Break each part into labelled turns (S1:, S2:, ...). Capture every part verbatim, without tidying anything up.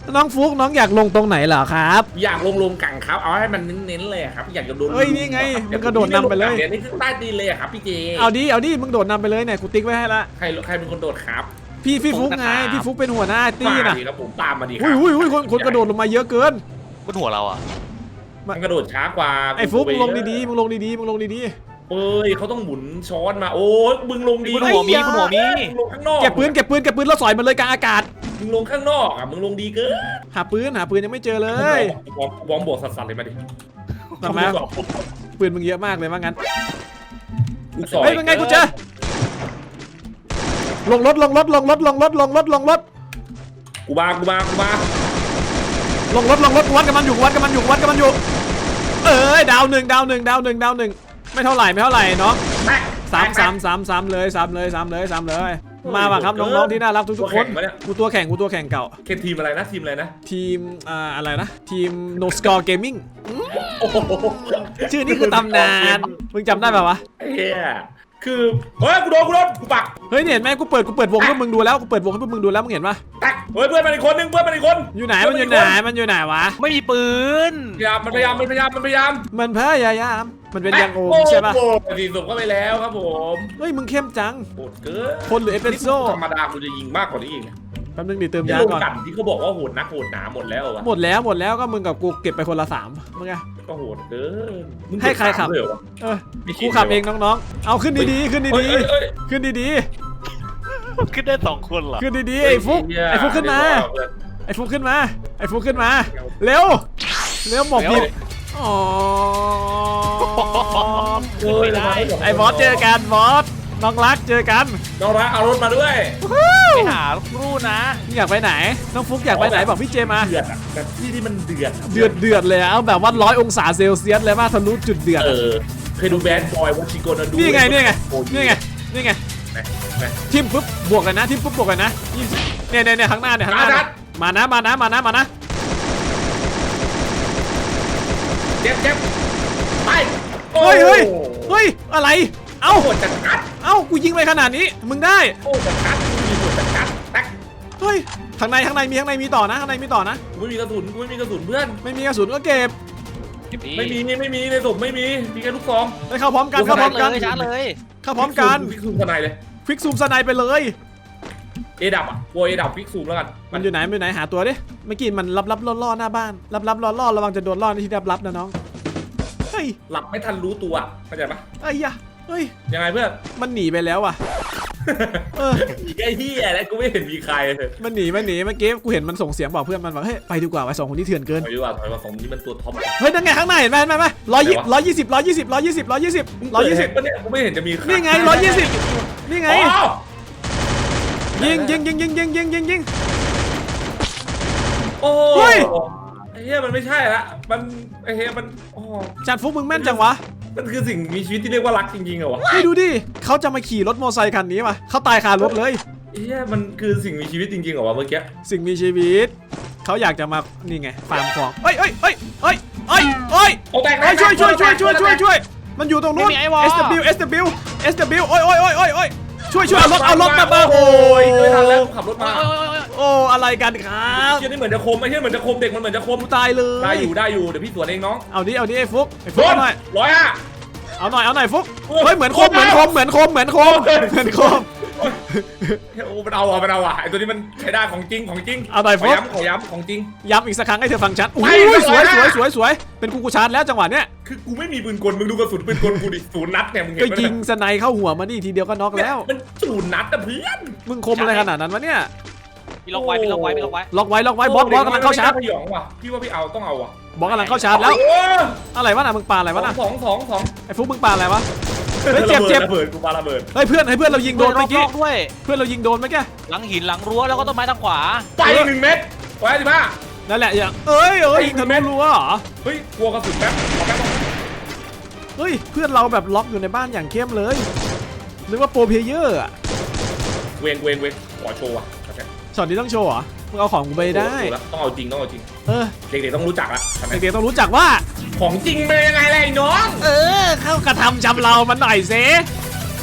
S1: น้องฟุกน้องอยากลงตรงไหนเหรอครับ
S2: อยากลงลงกังครับเอาให้มันเน้นๆเลยครับอยากจะโดน
S1: เฮ้ยนี่ไงมึงกระโดดนำไปเลย
S2: เดี๋ยวนี้ขึ้นใต้ดินเลยครับพี่เจ
S1: เอาดิเอาดิมึงโดดนำไปเลยเนี่ยกูติ๊กไว้ให้ละ
S2: ใครใครเป็นคนโดดครับ
S1: พี่พี่ฟุกไงพี่ฟุกเป็นหัวหน้าตี้น่ะ
S2: มาดีครับผมตามมาดีครั
S1: อุ้ยอุ้ยอุ้ยคนคนกระโดดลงมาเยอะเกิน
S3: บนหัวเราอ่ะ
S2: มันกระโดดช้ากว่า
S1: ไอ้ฟุกมึงลงดีๆมึงลงดีๆมึงลงดี
S2: เอ้ยเขาต้องหมุนช้อนมาโอ้ยมึงลงดี
S3: บนหัวมีบนหัวมี
S2: มึงลงข้างนอก
S1: ๆเก็บปืนเก็บปืนเก็บปืนแล้วสอยมันเลยกลางอากาศ
S2: มึงลงข้างนอกอ่ะมึงลงดีเกิน
S1: หาปืนหาปืนยังไม่เจอเลย
S2: บอมบอมบวกสัสๆเลยมาดิ
S1: ทำไมปืนมึงเยอะมากเลยว่างั้น
S2: ลูกศร
S1: เฮ้ยเป็นไงกูเจอลงรถลงรถลงรถลงรถลงรถลงรถ
S2: กูมากูมากูมา
S1: ลงรถลงรถวัดกับมันอยู่วัดกับมันอยู่วัดกับมันอยู่เอ้ยดาวหนึ่งดาวหนึ่งดาวหนึ่งดาวหนึ่งไม่เท่าไหร่ไม่เท่าไหร่เนาะ
S2: แม่
S1: สามสามสามสามเลยสามเลยสามเลยสามเลยมาว่ะครับน้องๆที่น่ารักทุกๆคนกูตัวแข่งกูตัวแข่งเก่า
S2: เคทีมอะไรนะทีมอะไรนะ
S1: ทีมอ่าอะไรนะทีม no score gaming
S2: โอ้โห
S1: ชื่อนี้คือตำนานมึงจำได้ป่าวะ
S2: เฮียคือเฮ้ยกูโดนกูโดนกูปัก
S1: เฮ้ยเนี่ยเห็นไหมกูเปิดกูเปิดวงให้มึงดูแล้วกูเปิดวงให้พวกมึงดูแล้วมึงเห็นปะ
S2: แตกเฮ้ยเพื่อนมันอีกคนนึงเพื่อนมันอีกคน
S1: อยู่ไหนมันอยู่ไหนมันอยู่ไหนวะ
S3: ไม่มีปืน
S2: พยายามมันพยายามมันพยายามมันพยายาม
S1: มันพยายามมันเป็นยังโอมใช่ปะ
S2: โอ้โหสี่ศพก็ไปแล้วครับผม
S1: เฮ้ยมึงเข้มจัง
S2: โหดเกิน
S1: คนหรือเอสเปรสโซ่
S2: ธรรมดากูจะยิงมากกว่านี้อีก
S1: แป๊บนึงดิเติม
S2: ที่
S1: ยา
S2: ลง
S1: ก่อน
S2: กันที่เขาบอกว่าโหดนักโหดหนาหมดแล้ววะ
S1: หมดแล้วหมดแล้วก็มึงกับกูเก็บไปคนละสามมึงไง
S2: ก็โหดเกินมึง
S1: ให้ใครขับ
S2: เลยเหรอวะ
S1: เออกูขับเองน้องๆเอาขึ้นดีๆขึ้น
S2: เอ้
S1: ดี
S2: ยเอ้ยเอ้ย
S1: ๆขึ้นดี
S3: ขึ้นได้สองคนเหรอ
S1: ๆขึ้นดีๆไอ้ฟุกไอ้ฟุกขึ้นมาไอ้ฟุกขึ้นมาไอ้ฟุกขึ้นมาเร็วเร็วหมอบดิบอ๋อ
S2: เอ้ยได้
S1: ไอ้บอสเจอกันบอสน้องรักเจอกัน
S2: น้องรักเอารถมาด้วย
S3: ไปหาลูกนะ
S1: มึงอยากไปไหนน้องฟุกอยากไปไหนบอกพี่เจมา
S2: เดือดอะแบบที่ที่มันเดือด
S1: เดือดเดือดเลยอะเอาแบบว่าร้อยองศาเซลเซียสเลยว่าทะลุจุดเดือด
S2: เออเคยดูแบดบอยวัชิโกนาดู
S1: นี่ไงนี่ไงนี่ไงนี่ไง
S2: ไหนไหน
S1: ทิมปุ๊บบวกกันนะทิมปุ๊บบวกกันนะยี่สิบเนี่ยเนี่ยเนี่ยข้างหน้าเนี่ยข้างหน้าเนี่ยมานะมานะมานะมานะ
S2: เจ็บเจ็บไป
S1: เฮ้ยเฮ้ยเฮ้ยอะไรเอ้า
S2: โหดจัดกัด
S1: เอ้ากูยิงไปขนาดนี้มึงได้
S2: โอ้จัดกัดมีโหดจัดกัดแท็ก
S1: เฮ้ยข้างในข้างในมีข้างในมีต่อนะข้างในมีต่อนะ
S2: กูไม่มีกระสุนกูไม่มีกระสุนเพื่อน
S1: ไม่มีกระสุนก็เก็บ
S2: ไม่มีไม่มีในศพไม่มีมีแค่ลูกซอง
S1: ไปเข้าพร้อมกัน
S3: ชา
S1: เข้าพร้อมกัน
S3: เลยชาร์จเลย
S1: เข้าพร้อมกัน
S2: ฟิกซูมทนายเลย
S1: ควิกซูมสไนไปเลย
S2: เอดับอ่ะกลัวเอดับฟิกซูมแล้วกัน
S1: มันอยู่ไหนมันอยู่ไหนหาตัวดิเมื่อกี้มันลับลับล่อล่อหน้าบ้านลับลับล่อล่อระวังจะโดนล่อในที่ลับลับนะน้องเฮ้ย
S2: หลับไม่ทันรู้ตัวเข้าใจปะ
S1: ไอ้ยะเฮ้ย
S2: ยังไงเพื่อน
S1: มันหนีไปแล้วอ่ะเออ
S2: อีกไอ้ที่อะไรกูไม่เห็นมีใครเลย
S1: มันหนีมันหนีเมื่อกี้กูเห็นมันส่งเสียงบอกเพื่อนมันว่าเฮ้ยไปดีกว่าไอ้สองคนที่เถื่อนเกิน
S2: ถอยดีกว่าถอยมาของนี้มันตัวท็อป
S1: เฮ้ยนั่นไงข้างในเห็นไหมเห็นไหมร้อยยี่ร้อยยี่สิบร้อยยี่สิบร้อยยี่สิบร้อยยี่สิบร้อยยี่สิบ
S2: ปะเนี่ยกูไม่เห็นจะมี
S1: นี่ไงร้อยยี่สิบนี่ไง
S2: อ๋อ
S1: ยิงยิงยิงยิงยิงยิงยิงยิง
S2: โอ้
S1: เฮ้ย
S2: ไอ้เหี้ยมันไม่ใช่ละมันไอ้เหี้ยมันโอ้
S1: จัดฟุกมึงแม่นจังวะ
S2: มันคือสิ่งมีชีวิตที่เรียกว่ารักจริงๆเหรอวะ
S1: นี่ดูดิเขาจะมาขี่รถมอเตอร์ไซคันนี้มาเขาตายคารถเลย
S2: ไอ้เหี้ยมันคือสิ่งมีชีวิตจริงๆเหรอวะเมื่อกี้
S1: สิ่งมีชีวิตเขาอยากจะมานี่ไงฟาร์มของเอ้ยเอ้ยเอ้ยเอ้ยเอ้ยเอ้ย
S2: โอ้แตก
S1: เอ้ยช่วยช่วยช่วยช่วยช่วยช่วยมันอยู่ตรงนู้น เอส ดับเบิลยู เอส ดับเบิลยู เอส ดับเบิลยู โอ้ยโอ้ยโอ้ยโอ้ยโอ้ยช่วยช่วยเอารถเอารถมาบ้าง
S2: โอ้ยไม่ทันแล้วขับรถมา
S1: โอ้อะไรกันครับ
S2: เชี่ยนี่เหมือนจะคมไอ้เชี่ยเหมือนจะคมเด็กมันเหมือนจะคม
S1: กูตายเลย
S2: ได้อยู่ได้อยู่เดี๋ยวพี่สวนเองน้อง
S1: เอาดิเอาดิไอ้ฟุกไอ้
S2: โด
S1: ฟุก
S2: น
S1: เอาหน่อย
S2: ร้อยห้า
S1: เอาหน่อยเอาหน่อยฟุก
S2: โอ้ย
S1: เฮ้ยเหมือนคมเหมือนคมเหมือนคมเหมือนคมเหมือนคม
S2: โอ้มันเอาอ่ะมันเอาอ่ะไอ้ตัวนี้มันใช้ได้ของจริงของจริง
S1: เอาหน่อย
S2: ข
S1: ฟุ
S2: อก ย้ำขอย้ำของจริง
S1: ย้ำอีกสักครั้งให้เธอฟังชัดอุ้
S2: ไป
S1: ย
S2: ไป
S1: สวย
S2: ไป
S1: สวยสวยสวยเป็นกูกูชาร์จแล้วจังหวะเนี้ย
S2: คือกูไม่มีปืนกลมึงดูกระสุนปืนกลกูดิศูนย์นัดเนี่ยมึงเห็น
S1: ก็
S2: ไหม
S1: ยิงสไนเข้าหัวมานี่ทีเดียวก็น็อกแล้ว
S2: มันศูนย์นัดอะเพื่อน
S1: มึงคมอะไรขนาดนั้นวะเนี่ย
S3: พี่ล็อกไว้พี่ล็อกไว้พี่ล็อกไว้
S1: ล็อกไว้ล็อกไว้บอสบอสกำลังเข้าชาร์จ
S2: ไม่น่พยองว่ะพี่ว่าพี่เอาต้องเอาว่ะ
S1: บอสกำลังเข้าชาร์จแล้ว
S2: โอ้
S1: อะไรวะน่ะมึงปาอะไรวะน่ะ
S2: สองสองสอง
S1: ไอ้ฟุกมึงปาอะไรวะเฮ้ยเจ็บเจ็บ
S2: ระเบิดกูปาระเบิด
S1: เฮ้ยเพื่อนให้เพื่อนเรายิงโดนเมื่อกี้
S3: รอบๆด้วย
S1: เพื่อนเรายิงโดนเมื่อกี้
S3: หลังหินหลังรั้วแล้วก็ต้นไม้ทางขวา
S2: ไปอีกหนึ่งเม็ดไว้สิบ้า
S1: นั่นแหละอย่างเอ้ยเอ้ยยิงทะลุรั้วเหรอ
S2: เฮ้ยกลัวกระสุนแป๊บขอแป๊บ
S1: เฮ้ยเพื่อนเราแบบล็อกอยู่ในบ้านอย่างเข้มเลยนึกว่าโปรเพลเยอร์อะ
S2: เวงเวงเวงขอโชว์อ่ะ
S1: ช็อตนี้ต้องโชว์เหรอมึงเอาของกูไปได้
S2: ต้องเอาจริงต้องเอาจริง
S1: เออ
S2: เด็กๆต้องรู้จักละทำไม
S1: เด็กๆต้องรู้จักว่า
S2: ของจริงเป็นยังไงล่ะไอ้น้อง
S1: เออเข้ากระทำชำเรามันหน่อยเซ
S2: ย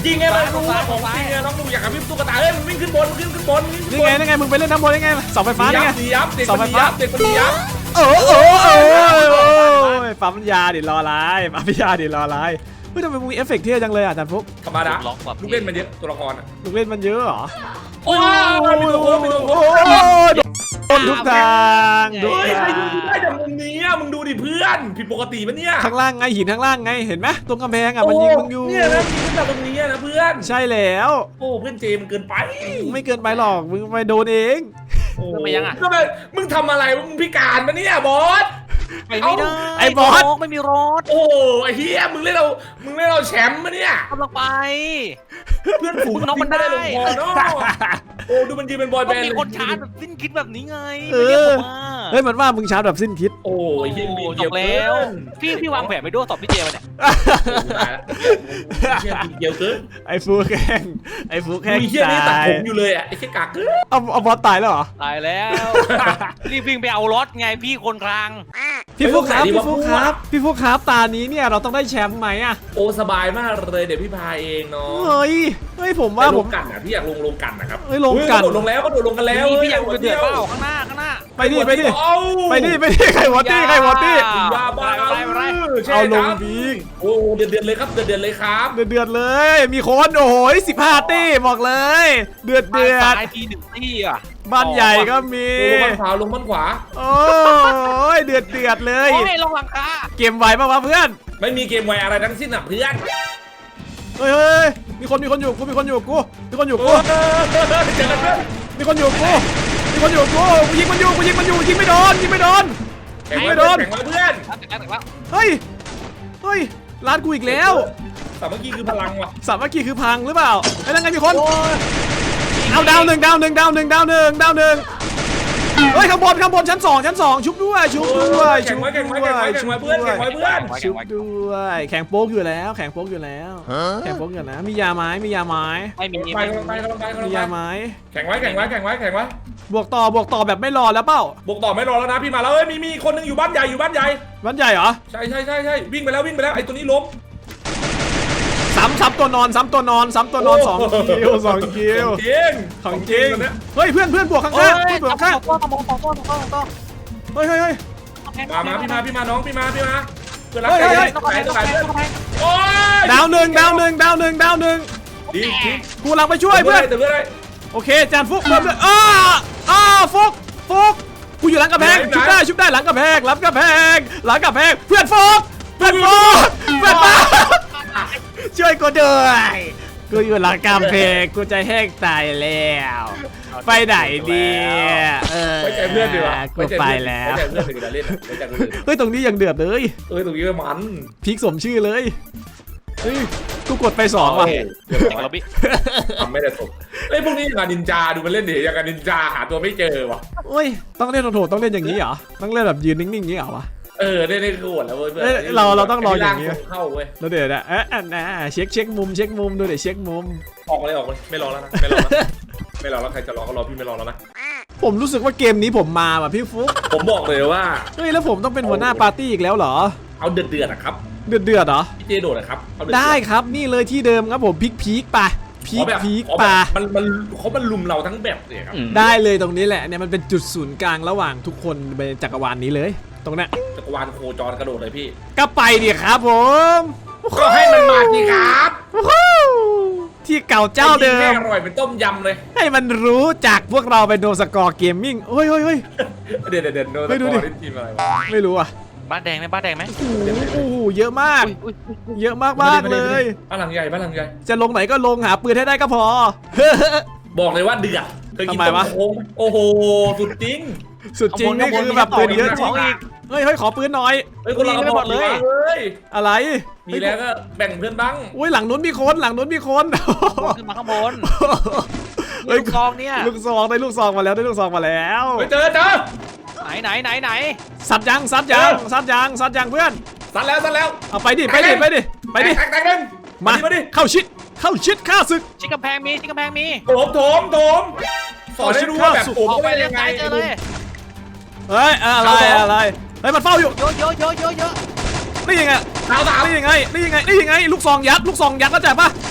S2: ริงไงเรารู้ว่าของจริงไงน้องมึงอยากกับพี่ตุ๊กตาเอ้ยมันวิ่งขึ้นบนวิ่งขึ้นบนวิ่งขึ้น
S1: นี่
S2: บ
S1: ไง
S2: น
S1: นี่ไงมึงไปเล่นน้ำบนได้ไงเสาไฟฟ้าได้ไง
S2: ดียับเด็ก
S1: เสา
S2: มัน
S1: ไฟ
S2: ดี
S1: ฟ้า
S2: ยับเด็กมันดียับ
S1: โอ้โอ้โอ้ปั๊มยาดิรออะไรปั๊มยาดิรออะไรเฮ้ยทำไมมึงมีเอฟเฟกต์เท่จังเลยอ่ะอาจารย์ฟุก
S2: ธรรมดาลูกเล่นมันเยอะตัวละครอ่ะ
S1: มึงเล่นมันเยอะเหรอ
S2: โอ้ยมีตัวโค้งมีตัวโค้ง
S1: โดนทุกทางทุก
S2: เฮ้ย
S1: ทา
S2: ใครดู
S1: ง
S2: ได้จากมุมนี้อ่ะมึงดูดิเพื่อนผิดปกติปะเนี่ย
S1: ข้างล่างไงหินข้างล่างไงเห็นไหมตรงกำแพงอ่ะมันยิงมึงอยู่
S2: เนี่ยนะยิงขึ้นจากตรงนี้นะเพื่อน
S1: ใช่แล้ว
S2: โอ้เพื่อนเจมันเกินไป
S1: ไม่เกินไปหรอกมึงไปโดนเอง
S2: โอ้
S3: ไปยังอ่ะ
S2: ทำไมมึงทำอะไรมึงพิการปะเนี่ยบอส
S3: ไปไม่ได้
S1: ไอ้บอส
S3: ไม่มีรถ
S2: โอ้ไอ้เฮียมึงเล่นเรามึงเล่นเราแชมป์ปะเนี่ย
S3: กำลังไป
S2: เพื่อนฝูง
S3: น้องมันได้
S2: ลงคอเนาะโอ้ดูมันยืนเป็นบอยแบ
S3: ต้อง
S2: นด์
S3: มี
S2: เลย
S3: คนชาร์จแบบสิ้นคิดแบบนี้ไง
S1: เอ
S3: ไม่เรียก
S1: อ
S3: ผมมา
S1: เฮ้ยมันว่ามึงชาร์จแบบสิ้นคิด
S2: โอ้ยเฮียมี
S3: จ
S2: เดียว
S3: บแล้ว พี่พี่วางแผนไปด้วยตอบพี่เจมาเนี่ย
S2: ตายแล้วเฮียมีเดียวเกิน
S1: ไอ้ฟูแข่งไอ้ฟูแข่ง
S2: มีเฮียนี่ตัด
S1: ตาย
S2: ผมอยู่เลยอ่ะไอ้เฮียกากเกิน
S1: เอาเอาบอสตายแล้วเหรอ
S3: ตายแล้วรีบวิ่งไปเอารถไงพี่คนกลาง
S1: พี่ฟุกครับพี่ฟุกครับพี่ฟุกครับตานี้เนี่ยเราต้องได้แชมป์ไหมอะ
S2: โอ้สบายมากเลยเดี๋ยวพี่พาเองเนาะ
S1: เฮ้ยเฮ้ยผมว่า
S2: ว่า
S1: ผ
S2: ล
S1: ม
S2: งกันอ่ะพี่อยากลงลงกันนะครับ
S1: เฮ้ยลงกัน
S2: กระโดดลงแล้วก็โดดลงกันแล้ว
S3: พี่พี่อยาก
S2: ฮ้
S3: เดือดเปล่าข้างหน้าข้างหน้า
S1: ไปดิไปดิ
S2: เอา
S1: ไปดิไปดิใครวอตตี้ใครวอตตี้
S2: ยาบ้า
S3: ไปไปไป
S2: ใช่
S1: เอาลง
S2: ครับ
S1: บีก
S2: โอ้เดือดเดือดเลยครับเดือดเดือดเลยครับ
S1: เดือดเดือดเลย มีคนโอ้โหสิบห้าตี้บอกเลย เดือดเดือด
S3: ตายทีหนึ่งที่อ่ะ
S1: บ้านใหญ่ก็มี
S2: ลงบ้านขวาลงบ้านขวา
S1: โอ้ยเดือดเดือดเลย
S3: โอ้ยลงหลังคา
S1: เกมไหวปะวะเพื่อน
S2: ไม่มีเกมไวอะไรทั้งสิ้นอ่ะเพื่อน
S1: เฮ้ยเฮ้ยมีคนมีคนอยู่กูมีคนอยู่กูมีคนอยู่กู
S2: เจอกันเพื่อน
S1: มีคนอยู่กูมีคนอยู่กูกูยิงมันอยู่กูยิงมันอยู่ยิงไม่โดนยิงไม่โดน
S2: แข่ง
S1: ไม่
S2: ไว้
S1: โด
S2: เพื่อน นแข่งไว้เพื่อน
S3: แต่แล้วแต่แล้ว
S1: เฮ้ยเฮ้ยร้านกูอีกแล้ว
S2: สามัคคีคือพลังว่ะ
S1: สามัคคีคือพังหรือเปล่าไอ้นั่นไงมีคนเอาดาวหนึ่งดาวหนึ่งดาวหนึ่งดาวหนึ่งดาวหนึ่งเฮ้ยข้างบนข้างบนชั้นสองชั้นสองชุบด้วยชุบด้วย
S2: แข่
S1: ชุ
S2: ง
S1: บ
S2: ไว้
S1: ด้
S2: แข่งไว้
S1: ว
S2: แข่งไว้
S1: ย
S2: แข่ง
S1: ชุบ
S2: ไว้เพื่อน
S1: ด้ว
S2: แข่
S1: ย
S2: งไว้เพื่อน
S1: ชุบด้วยแข่งโป๊กอยู่แล้วแข่งโป๊กอยู่แล้วแข่งโป๊กอยู่แล้วมียาไม้มียาไม้
S3: ไม่มี
S2: ไปกำลังไปกำลังไปกำลั
S1: มี
S2: ง
S1: ยา
S2: ไป
S1: ไม้
S2: แข่งไว้แข่งไว้แข่งไว้แข่งไว้
S1: บวกต่อบวกต่อแบบไม่รอแล้วเปล่า
S2: บุกต่อไม่รอแล้วนะพี่มาแล้วเอ้ยมีมีคนนึงอยู่บ้านใหญ่อยู่บ้านใหญ่
S1: วันใหญ่เหรอ
S2: ใช่ใช่ใช่ใช่วิ่งไปแล้ววิ่งไปแล้วไอ้ตัวนี้ล้ม
S1: ซ้ำซ้ำตัวนอนซ้ำตัวนอนซ้ำตัวนอนสองคิวสองคิว
S2: จริง
S1: ของจริง
S2: ตัวเนี้ย
S1: เฮ้ยเพื่อนเพื่อนบวกข้าง
S3: เฮ้ย
S1: ๆเพื่อนบวกข้าง
S3: ต้องต้องต้องต้องต้องต้อง
S1: ๆเฮ้ยเฮ้ยเฮ้ย
S2: มามาพี่มาพี่มาน้องพี่มาพี่มาเพื่อนรัก
S1: เฮ้ยเฮ้ย
S3: ต้อง
S2: ไหน
S3: ต้อง
S2: ไหนเพื่อน
S3: ต้อง
S2: โอ้ย
S1: ดาวหนึ่งดาวหนึ่งดาวหนึ่งดาวหนึ่ง
S2: ดีดี
S1: กูกำลังไปช่วยเพื่อน
S2: เพื่อนเลย
S1: โอเคจานฟุกเพิ่มเลยอ้าอ้าฟุกฟุกกูอยู่หลังกระแพงชุบได้ชุบได้หลังกระแพงหลังกระแพงหลังกระแพงเพื่อนฟุกเพื่อนฟุกเพื่อนฟุกช่วยกูด้วยกูอยู่หลังกำแพงกูจะแห้งตายแล้วไปไหนดีเออ
S2: ไว้ใจเพื่อนดีวะ
S1: กูไปแล้ว
S2: ไว้ใจเพื่อนดีกว่าเล่นไว้ใจเพื่อน
S1: เฮ้ยตรงนี้ยังเดือดเลย
S2: เอ้ยตรงนี้มัน
S1: พีคสมชื่อเลยเฮ้ยกูกดไปสองว่ะ
S2: เดี๋ยว
S3: เด็กเราบิ
S2: ทำไม่ได้ตกไอ้พวกนี้อย่างกับนินจาดูมันเล่นดิอย่างกับนินจาหาตัวไม่เจอวะ
S1: โอ้ยต้องเล่นโถต้องเล่นอย่างนี้เหรอต้องเล่นแบบยืนนิ่งๆอย่างนี้เหรอวะ
S2: เออได้ได้คือหมดแล้วเว้ย
S1: เอ้ยเราเราต้องรออย่างนี้
S2: นี้เข้าเว้ย
S1: แล้วเดี๋ยวนะเอ๊ะอันนะเช็คเช็คมุมเช็คมุมดูเดี๋ยวเช็คมุม
S2: ออกเลยออกเลยไม่รอแล้วนะไม่รอแล้วไม่รอแล้วใครจะรอก็รอพี่ไม่รอแล้วนะ
S1: ผมรู้สึกว่าเกมนี้ผมมาว่ะพี่ฟุ๊ก
S2: ผมบอกเลยว่า
S1: เฮ้ยแล้วผมต้องเป็นหัวหน้าปาร์ตี้อีกแล้วเหรอ
S2: เอาเดือดเดือดอะครับ
S1: เดือดเดือดเหรอ
S2: พี่เจโดดนะครับเอาเดือด
S1: ได้ครับนี่เลยที่เดิมครับผมพีคพีคป่ะพี
S2: ขอ
S1: ค
S2: แบบ
S1: พีค
S2: ขอแบบ
S1: ป่ะ
S2: มันมันเขามันลุมเราทั้งแบบเลยครับ
S1: ได้เลยตรงนี้แหละเนี่ยมันเป็นจุดศูนย์กลางระหว่างทุกคนในจักรวาลนี้เลย ตรงเนี้ย
S2: จักรวาลโคจรกระโดดเลยพี่
S1: ก็ไปดิครับผม
S2: ก็ให้มันมาสิครับ
S1: วู้ฮู้ที่เก่าเจ้าเดิ
S2: แม่
S1: ม
S2: อร่อยเป็นต้มยำเลย
S1: ให้มันรู้จักพวกเราเป็นโนสกอร์เกมมิ่งเฮ้ยเฮ้ยเฮ้ย
S2: เดี๋ยวเดี๋ยวเดี๋ยวโดน
S1: เฮ้ยดู
S2: ตะ
S1: ดิ
S2: กอนทีมอะไรวะ
S1: ไม่รู้อ่ะ
S3: บ้านแดงไหมบ้านแดงไหม
S1: โอ้โหโอ้โหเยอะมาก
S3: อุ้ยอุ้ยอุ้ย
S1: เยอะมากมากเลย
S2: บ้านหลังใหญ่บ้านหลังใหญ่
S1: จะลงไหนก็ลงหาปืนให้ได้ก็พอ
S2: บอกเลยว่าเดือดเคยกิน
S1: ทำไม
S2: ต้ม
S1: วะ
S2: โค้งโอ้โหสุดจริง
S1: สุดจริงนี่คือแบบปืนเยอะจริง
S3: อีก
S1: เฮ้ยเฮ้ยขอปืนหน่อย
S2: เฮ้ยคนเรา
S3: มีไม่หมดเลย
S2: เฮ้ย
S1: อะไร
S2: มีแล้วก็แบ่งเพื่อนบ้าง
S1: อุ้ยหลังนู้นมีคนหลังนู้นมีคน
S3: ขึ้นมาข้างบน
S1: เฮ้ย
S3: ลูกซองเนี่ย
S1: ลูกซองได้ลูกซองมาแล้วได้ลูกซองมาแล้ว
S2: ไปเจอเจอ
S3: ไหนไหนไหนไหน
S1: ซัดยังซัดยังซัดยังซัดยังเพื่อน
S2: สัดแล้วสัดแล้ว
S1: เอาไปดิไปดิไปดิไปดิ
S2: แตกแตกหนึ่ง
S1: มา
S2: มาดิ
S1: เข้าชิดเข้าชิดฆ่าศึก
S3: ชิคกำแพงมีชิคกำแพงมี
S2: โถมโถมโถมสอนให้รู้ว่าแบบโถม
S3: ออกไป
S2: ได้
S3: เลี้ย
S2: ยัง งไง
S3: ซ้ายเจอเลย
S1: เฮ้ยอะไรอะไรเฮ้ยมันเฝ้าอยู่
S3: เยอะเยอะเยอะเยอะเยอะ
S1: นี่ยังไง
S2: ดาวสาม
S1: นี่ยังไงนี่ยังไงนี่ยังไงลูกซองยัดลูกซองยัดเข้าใจปะ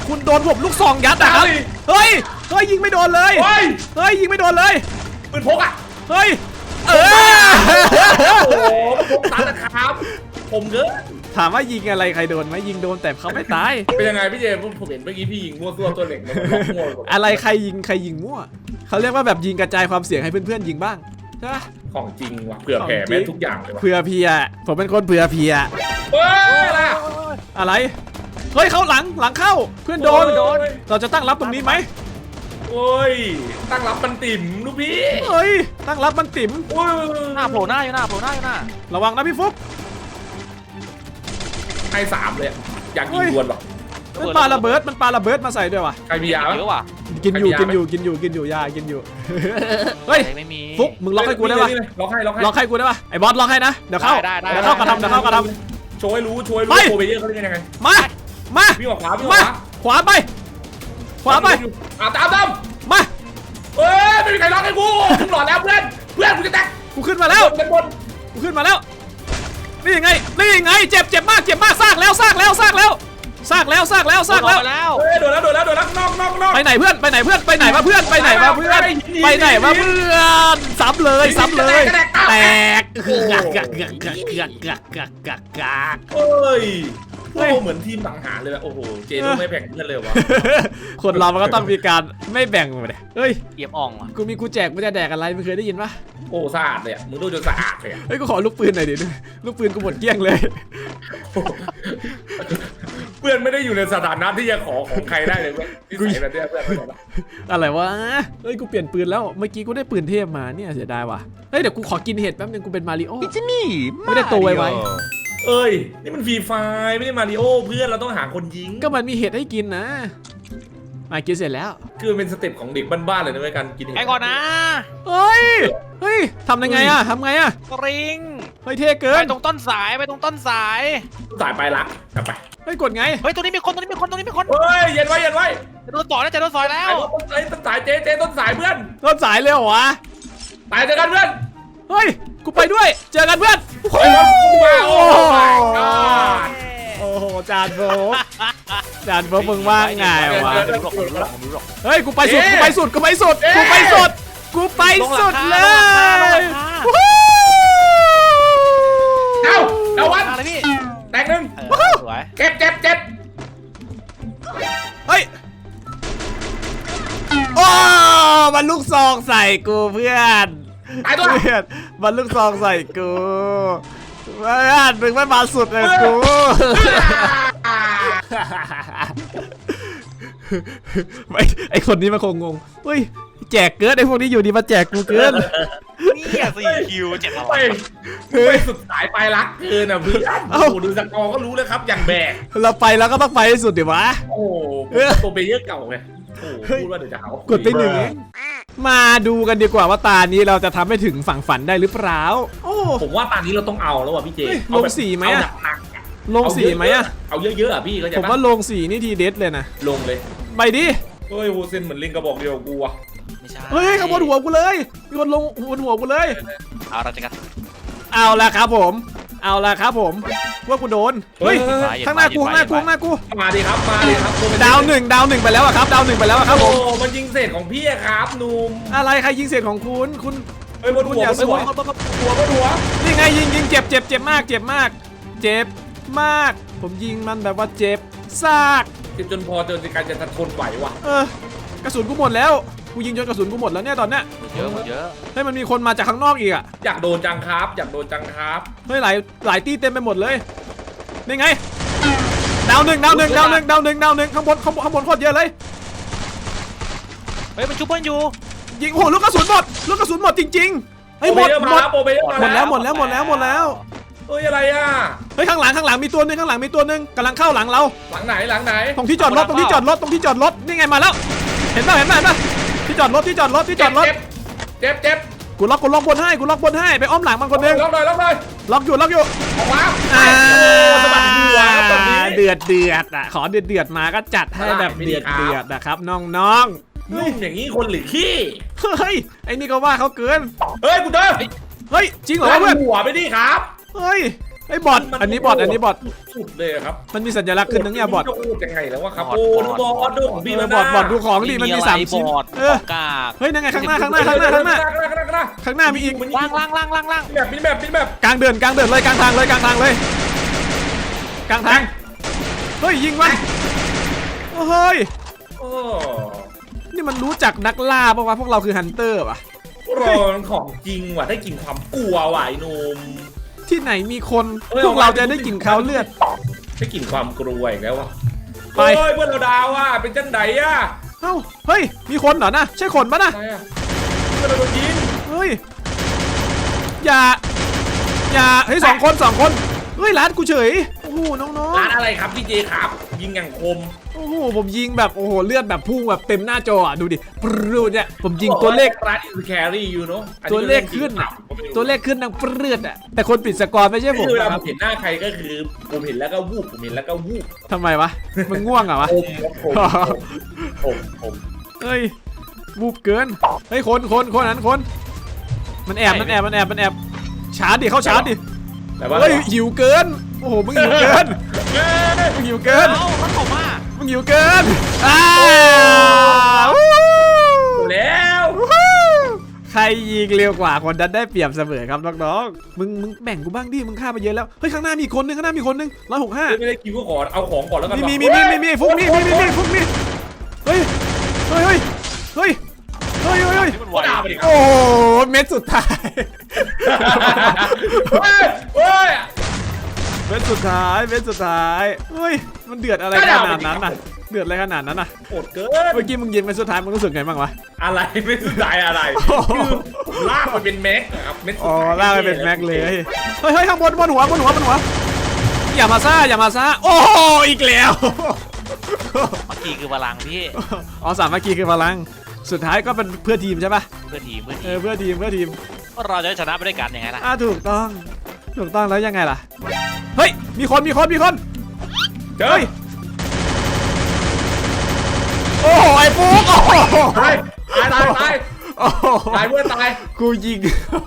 S1: คุณโดนผมลูกซองยัดอะครับเฮ้ยเฮ้ยยิงไม่โดนเลย
S2: เฮ้ย
S1: เฮ้ยยิงไม่โดนเลย
S2: ปืนพกอ่ะ
S1: เฮ้ยเออ
S2: โอ้โหพกตันนะครับผมเกิน
S1: ถามว่ายิงอะไรใครโดนไหมยิงโดนแต่เขาไม่ตาย
S2: เป็นยังไงพี่เจมส์ผมเห็นเมื่อกี้พี่ยิงมั่วซั่วตัวเหล็กมันล็อกมั่วหมด
S1: อะไรใครยิงใครยิงมั่วเขาเรียกว่าแบบยิงกระจายความเสี่ยงให้เพื่อนๆยิงบ้างใช่ปะ
S2: ของจริงว่ะเผื่อแผ่แม่ทุกอย่างเลยว่ะ
S1: เผื่อเพียผมเป็นคนเผื่อเพีย
S2: เฮ้ยล่ะ
S1: อะไรเฮ้ยเข้าหลังหลังเข้าเพื่อนโดน
S2: โดน
S1: เราจะตั้งรับตรงนี้ไหม
S2: โอ้ยตั้งรับมันติ่มลูกพี่
S1: เฮ้ยตั้งรับมันติ๋ม
S2: โอ้ย
S3: หน้าโผล่หน้าอยู่หน้าโผล่หน้าอยู่หน้า
S1: ระวังนะพี่ฟุ๊ก
S2: ให้สามเลยอะอยากยิงดวลหรอ
S1: มันปาระเบิดมันปาระเบิดมาใส่ด้วยวะ
S2: ใครมียา
S3: เยอะว่ะ
S1: กินอยู่
S2: ใครมียา
S1: กินอยู่กินอยู่กินอยู่ยากินอยู่ เฮ้ย
S3: ไม่มี
S1: ฟุ๊กมึงล็อกให้กูได้ปะ
S2: นี่เลยล็อกให้ล็อกให้
S1: ล็อกให้กูได้ปะไอ้บอสล็อกให้นะเดี๋ยวเข้า
S3: ได้ได้
S1: เดี๋ยวเข้ากระทำเดี๋ยวเข้ากระท
S2: โชว์ให้รู้โชว์ให้
S1: ไป
S2: รู้โปรเบเยอร์เขาเล่นยังไง
S1: ำมามา
S2: วิ่งออกขวาวิ่งอ
S1: มา
S2: อกขวา
S1: ขวาไปขวาไป
S2: อ่ะตามตาม
S1: มา
S2: เฮ้ยไม่มีใครล็อกให้กูมึงหลอดแล้วเพื่อนเพื่อนกูจะแตก
S1: กูขึ้นมาแล้ว
S2: เป็นบน
S1: กูขึ้นมาแล้วนี่ไงนี่ไงเจ็บเจ็บมากเจ็บมากซากแล้วซากแล้วซากแล้วซากแล้วซากแล้วซากแล้ว
S3: แล้ว
S2: เฮ้ยโดนแล้วโดนแล้วโดนแล้วนอกนอกนอก
S1: ไปไหนเพื่อนไปไหนเพื่อนไปไหนวะเพื่อนไปไหนวะเพื่อนไปไหนวะเพื่อนซ้ำเลยซ้ำเลยแตกกักกักกักกักกักกักกักกักกัก
S2: เฮ้ยโอ้เหมือนทีมสังหารเลยโอ้โหเจโดไม่แบ่งเพื่อนเลยวะ
S1: คนเรามันก็ต้องมีการไม่แบ่งไปเลยเฮ้ย
S3: เอี่ยมอ่องอ่ะ
S1: กูมีกูแจกกูจะแดกอะไรไม่เคยได้ยินปะ
S2: โอ้สะอาดเลยอ่ะมึงดูจนสะอาดเลยอ่ะ
S1: เฮ้ยกูขอลูกปืนหน่อยดิลูกปืนกูหมดเกลี้ยงเลย
S2: เพื่อนไม่ได้อยู่ในสถานะที่จะขอของใครได้เลยเพื่อนที่ใส่แบบเนี้ยเพื่อนไม่ได้ละ
S1: อะไรวะเฮ้ยกูเปลี่ยนปืนแล้วเมื่อกี้กูได้ปืนเทพมาเนี่ยเสียดายว่ะเฮ้ยเดี๋ยวกูขอกินเห็ดแป๊บนึงกูเป็นมาริโอไม่ได้โตไว
S2: เอ้ยนี่มันฟรีไฟไม่ได้มาริโอเพื่อนเราต้องหาคนยิง
S1: ๆก็มันมีเห็ดให้กินนะมากินเสร็จแล้ว
S2: คือมันเป็นสเต็ปของเด็กบ้านๆเลยนะเว้ยการกินเห็ด
S3: ไปก่อนนะ
S1: เฮ้ยเฮ้ยทำยังไงอะทำไงอะ
S3: สริง
S1: เฮ้ยเท่เกิ
S3: ไป
S1: น
S3: ตรงต้นสายไปตรงต้นสาย
S2: สายไปรักกลับไป
S1: เฮ้ยกดไง
S3: เฮ้ยตรงนี้มีคนตรงนี้มีคนตรงนี้มีคน
S2: เฮ้ยเย็นไว้เย็นไว้
S3: จะโดนต่อยแล้วจะโดนต่อยแล้
S2: ไอ้
S3: ว
S2: ต้นสายต้นสายเจ๊เจ๊ต้นสายเพื่อน
S1: ต้นสายเลยเหรอวะ
S2: ตายเจอกันเพื่อน
S1: เฮ้ยกูไปด้วยเจอกันเพื่อน
S2: ไอ้รถกูมาโอ้ my god
S1: โอ้โหจานโฟกจานโฟกมึงว่าไงวะ
S3: ไม่รู้หรอกไม่รู้หรอกไม่รู้หรอก
S1: เฮ้ยกูไปสุดกูไปสุดกูไปสุดกูไปสุดกูไปสุดเลย
S2: เอ้าเดาวัน
S3: อะไรพี่
S2: แตกหนึ่ง
S3: เออสวย
S2: เจ็บเจ็บเจ็บ
S1: เฮ้ยโอ้มันลูกซองใส่กูเพื่อน
S2: ตายตัว
S1: เพื่อนมันลูกซองใส่กูเพื่อนมึงไม่มาสุดเลยกูไอไอคนนี้มันคงงงเฮ้ยแจกเกินไอพวกนี้อยู่ดีมาแจกกูเกิน
S3: นี่สี่คิวเจ็บอะไร
S2: ไปไปสุดสายไปรักเกินอ่ะเพื่อน
S1: เอ้า
S2: โอ้โหดูสกอร์ก็รู้แล้วครับอย่างแบก
S1: เราไปแล้วก็ต้องไปให้สุดดิวะ
S2: โอ้โหตัวเบเยอร์เก่าไงโอ้โหพูดว่าเดี๋ยวจะหาว่าก
S1: ดไปหนึ่งเองมาดูกันดีกว่าว่าตานี้เราจะทำให้ถึงฝั่งฝันได้หรือเปล่าโอ้
S2: ผมว่าตอนนี้เราต้องเอาแล้วว่ะพี่เจ
S1: เฮ้ย
S2: เอาแบบ
S1: ลงสีไหมอะ
S2: เอาหนักๆอะ
S1: ลงสีไหมอะ
S2: เอาเยอะๆอ่ะพี่ก็จะ
S1: ผมว่าลงสีนี่ทีเด็ดเลยนะ
S2: ลงเลย
S1: ไปดิ
S2: เฮ้ยโฮเซนเหมือนลิงกระบอกเดียวกับกูอ่ะ
S3: ไม่ใช่
S1: เฮ้ยขบวนหัวกูเลยมีคนลงบนหัวกูเลย
S3: เอาเราจะกัน
S1: เอาละครับผม เอาละครับผมว่ากูโดนเฮ้ยข้างหน้ากูข้างหน้ากูข้างหน้ากู
S2: มาดิครับมาดิครับ
S1: ดาวหนึ่งดาวหนึ่งไปแล้วอะครับดาวหนึ่งไปแล้วอะครับผ
S2: โอ้
S1: ม
S2: มันยิงเศษของพี่อะครับหนุ่ม
S1: อะไรใครยิงเศษของคุณคุณ
S2: เฮ้ยบนหัว
S1: คุณอย่า
S2: บนหัว
S1: สู้
S2: บนหัวบนหัว
S1: นี่ไงยิงยิงเจ็บเจ็บเจ็บมากเจ็บมาก เจ็บมาก ผมยิงมันแบบว่าเจ็บซาก
S2: เจ็บจนพอจนในการจะทนไหวว่ะ
S1: เออกระสุนกูหมดแล้วกูยิงจนกระสุนกูหมดแล้วเนี่ยตอนเนี้ย
S3: เยอะหมดเยอะ
S1: เฮ้ยมันมีคนมาจากข้างนอกอีกอะ
S2: อยากโดนจังครับอยากโดนจังครับ
S1: เฮ้ยหลายหลายตีเต็มไปหมดเลยนี่ไงดาวหนึ่งดาวหนึ่งดาวหนึ่งดาวหนึ่งดาวหนึ่งข้างบนข้างบนข้างบนโคตรเยอะเลย
S3: เฮ้ยมันชุบเพื่อนอยู่
S1: ยิงโอ้โหลูกกระสุนหมดลูกกระสุนหมดจริงๆเฮ้ยหมด
S2: โปรเบเยอร์
S1: ห
S2: มาม
S1: ด
S2: แล้วโปรเบเยอร์มา
S1: หมดแล้
S2: แล้ว ว
S1: หมดแล้วหมดแล้วหมดแล้ว
S2: เฮ้ยอะไรอ่ะ
S1: เฮ้ยข้างหลังข้างหลังมีตัวหนึงข้างหลังมีตัวหนึงกำลังเข้าหลังเรา
S2: หลังไหนหลังไหน
S1: ตรงที่จอดรถตรงที่จอดรถตรงที่จอดรถนี่ไงมาแล้วเห็นป่ะเห็นป่ะเห็นป่ะที่จอดรถที่จอดรถที่จอดรถ
S2: เจ็บเจ็บเจ็บ
S1: กูล็อกกูล็อกบนให้กูล็อกบนให้ไปอ้อมหลังมันคนหนึง
S2: ล็อกหน่อยล็อกหน่อย
S1: ล็อกอยู่ล็อกอยู่
S2: ออกมา
S1: อ่า
S2: สะบัดหัวครับตอนนี้
S1: เดือดเดือดอ่ะขอเดือดเดือดมาก็จัดให้แบบเดือดเดือดนะครับน้องๆ
S2: นุ่มอย่างนี้คนหรือขี้
S1: เฮ้ยไอ้นี่ก็ว่าเขาเกิน
S2: เฮ้ยกูเจอ
S1: เฮ้ยจริงเหรอ
S2: ลั่น
S1: เพื่อน
S2: หัวไปดิครับ
S1: เฮ้ยไอ้บอทอันนี้บอทอันนี้บอท
S2: สุดเลยครับ
S1: มันมีสัญลักษณ์ขึ้นนึงเนี่ยบอท
S2: จะพูดยังไงแล้ววะครับโอ้บอทดูของพี่
S1: เอ
S2: แล้
S1: อ
S2: ว
S1: บอ
S2: นะ
S1: ทบอทดูของดิมันมีสามชิ้น
S3: บอด
S1: เออ
S3: กาก
S1: เฮ้ยนั่นไงข้างหน้าข้างหน้าข้างหน้าข้างหน้า
S2: ข้างหน้าข้างหน้า
S1: ข้างหน้ามีอีก
S3: ล่างล่างล่างล่างล่าง
S2: แบบนี้แบบนี้แบบ
S1: กลางเดินกลางเดินเลยกลางทางเลยกลางทางเลยกลางทางเฮ้ยยิงวะเฮ้ย
S2: โอ้
S1: นี่มันรู้จักนักล่าปะวะพวกเราคือฮันเตอร์ปะ
S2: โรนของจริงว่ะได้กลิ่นความกลัวว่ะไอ้หนุ่ม
S1: ที่ไหนมีคนพวกเราจะได้กลิ่นเขาเลือด
S2: ได้กลิ่นความกลัวอีกแล้วว่ะ
S1: ไป
S2: เฮ้ยเพื่อนเราดาวอ่ะเป็นจังไดอ่ะ
S1: เอ้าเฮ้ยมีคนเหรอนะใช่คนปะนะ
S2: ใช่อ่ะเพื่อนเราโดนยิง
S1: เฮ้ยอย่าอย่าเฮ้ยสองคนสองคนเฮ้ยร้านกูเฉยโอ้โหน้อง
S2: ร้านอะไรครับพี่เจครับ ยิงอย่างคม
S1: ๆโอ้โหผมยิงแบบโอ้โหเลือดแบบพุ่งแบบเต็มหน้าจออ่ะดูดิปรูดเนี่ยผมยิงตัวเลข
S2: ร้านอินแครี่อยู่เนาะ
S1: ตัวเลขขึ้นอะตัวเลขขึ้นดังปรืดอ่ะแต่คนปิดสกอร์ไม่ใช่ผม
S2: คือเวลา
S1: นะค
S2: ผ
S1: รับ
S2: มเห็นหน้าใครก็คือผมเห็นแล้วก็วูบผมเห็นแล้วก็วูบ
S1: ทำไมวะมึงง่วงเหรอวะ
S2: ผมผมผมผม
S1: เฮ้ยบูบเกินเฮ้ยคนคนคนนั้นคนมันแอบมันแอบมันแอบมันแอบชาร์จดิเข้าชาร์จดิ
S2: แต่ว่า
S1: เฮ้ยหิวเกินโอ้โหมึงหิวเกินมึงหิวเกิน
S3: เอ้ามันผมอ่ะ
S1: มึงหิวเกินอ้าว
S2: แล้ว
S1: ใครยิงเร็วกว่าคนนั้นได้เปรียบเสมอครับน้องๆมึงมึงแบ่งกูบ้างดิมึงฆ่าไปเยอะแล้วเฮ้ยข้างหน้ามีอีกคนนึงข้างหน้ามีคนนึงร้อยหกห้า
S2: ไม่ได้คิวก็ขอเอาของก่อนแล้วกัน
S1: มีมีมีมีมีฟุกมีมีมีมีฟุกมีเฮ้ยเฮ้ยเฮ้ยเฮ้ยเฮ้ยเฮ้ยเฮ้ย
S3: นี่มันไหว
S2: ก็ด่าไปดิครับ
S1: โอ้โหเม็ดสุดท้าย
S2: เฮ้ยเฮ้ย
S1: เม็ดสุดท้ายเม็ดสุดท้ายเฮ้ยมันเดือดอะไรขนาดนั้นน่ะเดือดอะไรขนาดนั้นน่ะ
S2: โหดเกิน
S1: เมื่อกี้มึงยิงเม็ดสุดท้ายมึงรู้สึกไงบ้างวะ
S2: อะไรไม่สุดใจอะไรคือลากไปเป็นแม็กครับเม็ดสุด
S1: อ๋อ
S2: ท้าย
S1: ลากไปเป็นแม็กเลยเฮ้ยเฮ้ยข้างบนบนหัวบนหัวบนหัวอย่ามาซ่าอย่ามาซ่าโอ้โหอีกแล้ว
S3: เมื่อกี้คือพลังพี่
S1: อ๋อสามัคคีคือพลังสุดท้ายก็เป็นเพื่อทีมใช่ปะ
S3: เพื่อทีมเพื่อ
S1: เอ
S3: ที
S1: อ
S3: ม
S1: เพื่อทีมเพื่อทีม
S3: เราจะได้ชนะไปด้วยกันยังไงล่ะ
S1: อ่าถูกต้องถูกต้องแล้วยังไงล่ะเฮ้ยมีคนมีคนมีคน
S2: เจอ
S1: เฮ้ยโอ้โหไอ้ฟุกโอ้โห
S2: ตายตายตายตาย
S1: โอ้โห
S2: ตายเพื่อนตาย
S1: กูยิง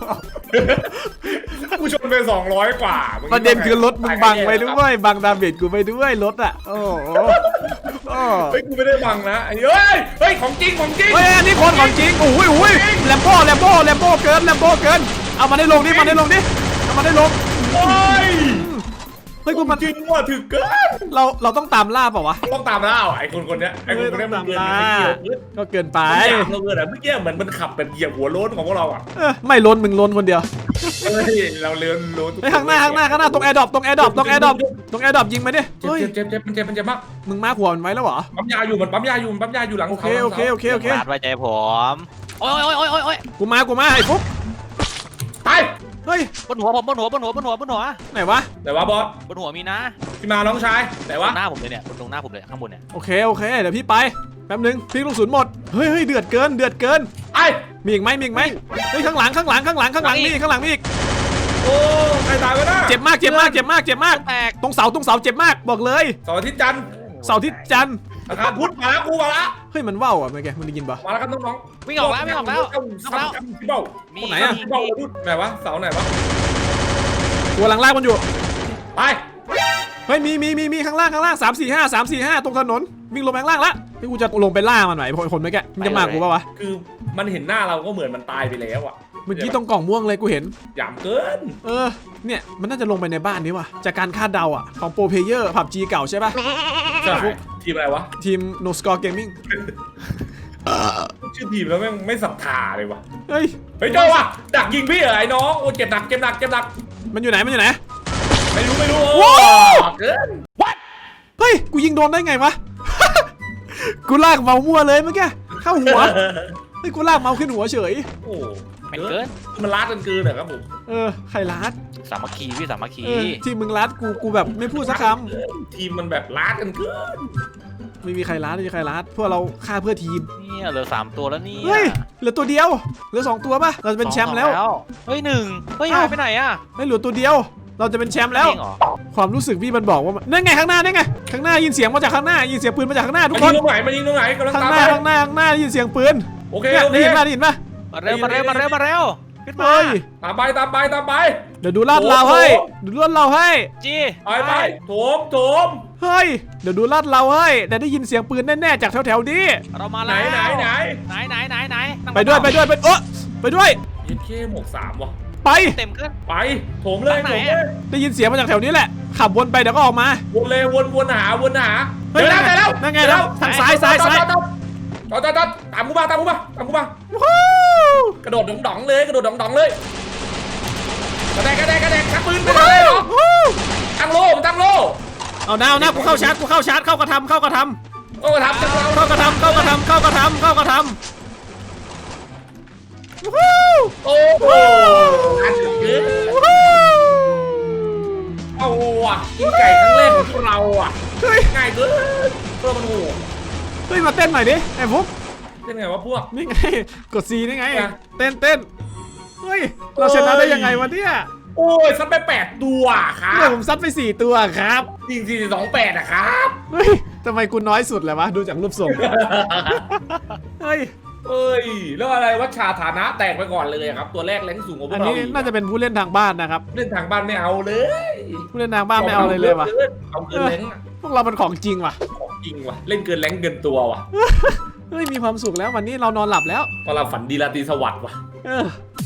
S2: กูชนไปสองร้อยกว่า
S1: ประเด็นคือรถมึงบังไปด้วยบังดาเมจกูไปด้วยรถอ่ะโอ้โหโอ้
S2: เฮ้ยกูไม่ได้บังนะไอ้เฮ้ยเฮ้ยของจริงของจริง
S1: เฮ้ยอันนี้คนของจริงโอ้ยโอ้ยแลมโบ้แลมโบ้แลมโบ้เกินแลมโบ้เกินเอามาได้ลงดิมาได้ลงดิเอามาได้ลง
S2: โอ้ย
S1: เฮ้ยกูมัน
S2: จริงว่ะถึกเกิน
S1: เราเราต้องตามล่าเปล่าวะ
S2: ต้องตามล่าไอ้คนคนเนี้ยไอ้คนคนเนี้ยมันเกินไปเยอะ
S1: ก็เกินไป
S2: ไอ้เราเกินอ่ะเมื่อกี้เหมือนมันขับแบบเหยียบหัวโล้นของพวกเราอ่ะ
S1: เออไม่ล้นมึงล้นคนเดียว
S2: เฮ้ยเราเลื่อนโล้น
S1: ไอ้ยข้างหน้าข้างหน้าข้างหน้าตรงแอร์ดรอปตรงแอร์ดรอปตรงแอร์ดรอปตรงแอร์ดรอปยิงมาดิ
S2: เจ็บ
S1: เฮ้ย
S2: เจ็บเจ็บเจ็บมันเจ็บมันเจ็บมาก
S1: มึงมาหัวมันไว้แล้วเหรอ
S2: ปั๊มยาอยู่มันปั๊มยาอยู่มันปั๊มยาอยู่หลัง
S1: โอเคโอเคโอเคโอเค
S3: ลาดไว้ใจผมโอ้ยโอ้ยโอ้ยโอ้ยโอ้ย
S1: กูมากูมาไอ้ฟุก
S2: ไป
S1: เฮ้ย
S3: บนหัวผมบนหัวบนหัวบนหัวบนหัว
S1: ไหนวะ
S2: แต่ว่าบอส
S3: บนหัวมีนะ
S2: พี่มาน้องชายแต่
S3: ตร
S2: ว่า
S3: งหน้าผมเลยเนี่ยบนตรงหน้าผมเลยข้างบนเนี่ย
S1: โอเคโอเคเดี๋ยวพี่ไปแป๊บนึงพี่ลูกศูนย์หมดเฮ้ยเฮ้ยเดือดเกินเดือดเกิน
S2: ไอ้
S1: มีอีกไหมมีอีกไหมเฮ้ยข้างหลังข้างหลังข้างหลังข้างหลังมีอีกข้างหลังมีอีก
S2: โอ้ใครตายวะน่ะ
S1: เจ็บมากเจ็บมากเจ็บมากเจ็บมาก
S3: แตก
S1: ตรงเสาตรงเสาเจ็บมากบอกเลย
S2: เสาร์อาทิตย์จันทร์
S1: เสาร์ที่จันทร์
S2: อาคารพุธมาแล้วกูมาแล้ว
S1: เฮ้ยมันว่าวอ่ะเมื่อกี้มึงได้ยินปะ
S2: มาแล้วครับน้อง
S3: วิ่งออกแล้ววิ่งออกแล้ว
S2: เอ้า
S3: ออกแล้ว
S2: ซ้ำๆพี่เบ้า
S3: มี
S1: ไหนอะ
S2: พี่เบ้าพุธไหนวะเสาไหนวะ
S1: ตัวหลังลากมันอยู่
S2: ไป
S1: เฮ้ยมีมีมีมีข้างล่างข้างล่างสามสี่ห้าสามสี่ห้าตรงถนนวิ่งลงไปข้างล่างละพี่กูจะลงไปล่ามันหน่อยคนคนเมื่อกี้มึงจะมากูปะวะ
S2: คือมันเห็นหน้าเราก็เหมือนมันตายไปแล้วอ่ะ
S1: เมื่อกี้ตรงกล่องม่วงเลยกูเห็น
S2: หยามเกิน
S1: เออเนี่ยมันน่าจะลงไปในบ้านนี้ว่ะจากการคาดเดาอ่ะของโปรเพเยอร์ผับจีเก่าใช่ปะ
S2: ใช่ทีมอะไรวะ
S1: ทีม No Score Gaming
S2: ชื่อทีมแล้วแม่งไม่ศรัทธาเลยวะ
S1: เฮ้ย
S2: เฮ้ยเจ้าวะดักยิงพี่เหรอไอ้น้องโอ้เจ็บหนักเจ็บหนักเจ็บหนัก
S1: มันอยู่ไหนมันอยู่ไหน
S2: ไม่รู้ไม่รู้
S1: ว้าว
S2: เกิน
S1: เฮ้ยกูยิงโดนได้ไงวะ กูลากเมาส์มั่วเลยเมื่อกี้เข้าหัวเฮ้ยกูลากเมาส์ขึ้นหัวเฉย
S2: โอ้
S3: แม่งเกิน
S2: มันลาดกันเกินเหรอครับผม
S1: เออใครลัด
S3: สามัคคีพี่สามัคคี
S1: เออที่มึงลัดกูกูแบบไม่พูดสักค
S2: ทีมมันแบบลาดกันเกิน
S1: ำไม่มีใครลัดไม่มีใครลัดพวกเราฆ่าเพื่อทีม
S3: เนี่ยเหลือสามตัวแล้วเนี่ย
S1: เฮ้ยเหลือตัวเดียวเหลือสองตัวป่ะเราจะเป็นแชมป์แล้ว
S3: เฮ้ยหนึ่งเฮ้ยหายไปไหนอ่ะ
S1: ไม่เหลือตัวเดียว เราจะเป็นแชมป์แล้ว
S3: จริงเหรอ
S1: ความรู้สึกพี่มันบอกว่ามันนั่นไงข้างหน้านั่นไงข้างหน้ายินเสียงมาจากข้างหน้ายินเสียงปืนมาจากข้างหน้าทุก
S2: มัน
S1: ค
S2: ยิ
S1: น
S2: งตรงไหนมันยิงตรงไหนกำลัง
S1: ข้าง
S2: ตาม
S1: ห
S2: ไป
S1: น้าข้างหน้าข้างหน้าได้ยินเสียงปืน
S2: โอเค
S1: เนี่ย
S2: โอเค
S1: ได้ยินป่ะได้ยินป่ะ
S3: มาเร็วมาเร็วมาเร็วมาเร็วขึ้นมา
S1: เฮ้ย
S2: ตามไปตามไปตามไป
S1: เดี๋ยวดูลาดเราให้ดูลาดเราให้
S3: จี
S2: ไปไปโถมโถม
S1: เฮ้ยเดี๋ยวดูลาดเราให้แต่ได้ยินเสียงปืนแน่ๆจากแถวๆนี้
S3: เรามา
S2: ไหน
S3: แล้ว
S2: ไหนไหน
S3: ไหนไหนไหนไหนนั่ง
S1: ไปด้วยไปด้วยไปเออไปด้วย
S2: เย็ดเข้หมวกสามวะ
S1: ไป
S3: เต็มขึ้น
S2: ไปโถมเลย
S3: ทางไหน
S2: โถมเล
S3: อะ
S2: ย
S1: ได้ยินเสียงมาจากแถวนี้แหละขับวนไปเดี๋ยวก็ออกมา
S2: วนเลยวนวนหาวนหา
S1: เฮ้ย
S2: เดี๋ยวแล้ว
S1: นั่นไง
S2: เดี๋ยวแล้ว
S1: นั่นไงทางซ้ายซ้ายซ้าย
S2: จอดจอดจอดจอดจอดตามกูมาตามกูมาตามกูมา
S1: วู้
S2: กระโดดดองๆเลยกระโดดดองๆเลยกระแดกกระแดกกระแดกชักปืนไปเลยเหรอ
S1: วู้
S2: ตั้งโล่ตั้งโล่
S1: เอาหน้าเอาหน้ากูเข้าชาร์จกูเข้าชาร์จเข้ากระทำเข้ากระท
S2: โอ้ทำจังเรา
S1: ำเข้ากระทำเข้ากระทำเข้ากระทำเข้ากระทำวู้
S2: โอ้โหอันนี้
S1: วู้
S2: เอาว่ะกินไก่ครั้งแรกของพวกเราอ่ะ
S1: เฮ้ย
S2: ง่ายเกินเพื่อมันโห
S1: เฮ้ยมาเต้นหน่อยดิไอ้ฟุ๊ก
S2: เป็นไงวะพวก
S1: นี่ไงกดซีนี่ไง
S2: อ่ะ
S1: เต้นเต้นเฮ้ยเราชนะได้ยังไงวะเนี่ย
S2: โอ้ยซัดไปแปดตัวครั
S1: เนี่ย
S2: บ
S1: ผมซัดไปสี่ตัวครับ
S2: จริงสี่สองแปดอะครับ
S1: เฮ้ยทำไมกูน้อยสุดเลยวะดูจากรูปทรงเฮ้ย
S2: เอ้ยแล้วอะไรวัชชาฐานะแตกไปก่อนเลยครับ ตัวแรกแรงสูงกว่าพว
S1: อัน
S2: กเรา
S1: นี้
S2: อีก
S1: น่าจะเป็นผู้เล่นทางบ้านนะครับ
S2: เล่นทางบ้านไม่เอาเลย
S1: ผู้เล่นทางบ้านไม่เอาเลยเลยวะ
S2: เอาเกินแรงอะ
S1: พวกเราเป็นของจริงว่ะ
S2: ของจริงว่ะเล่นเกินแรงเกินตัวว่ะ
S1: เฮ้ยมีความสุขแล้ววันนี้เรานอนหลับแล้ว
S2: พอเราฝันดีราตรีสวัสดิ์ว่ะ
S1: เออ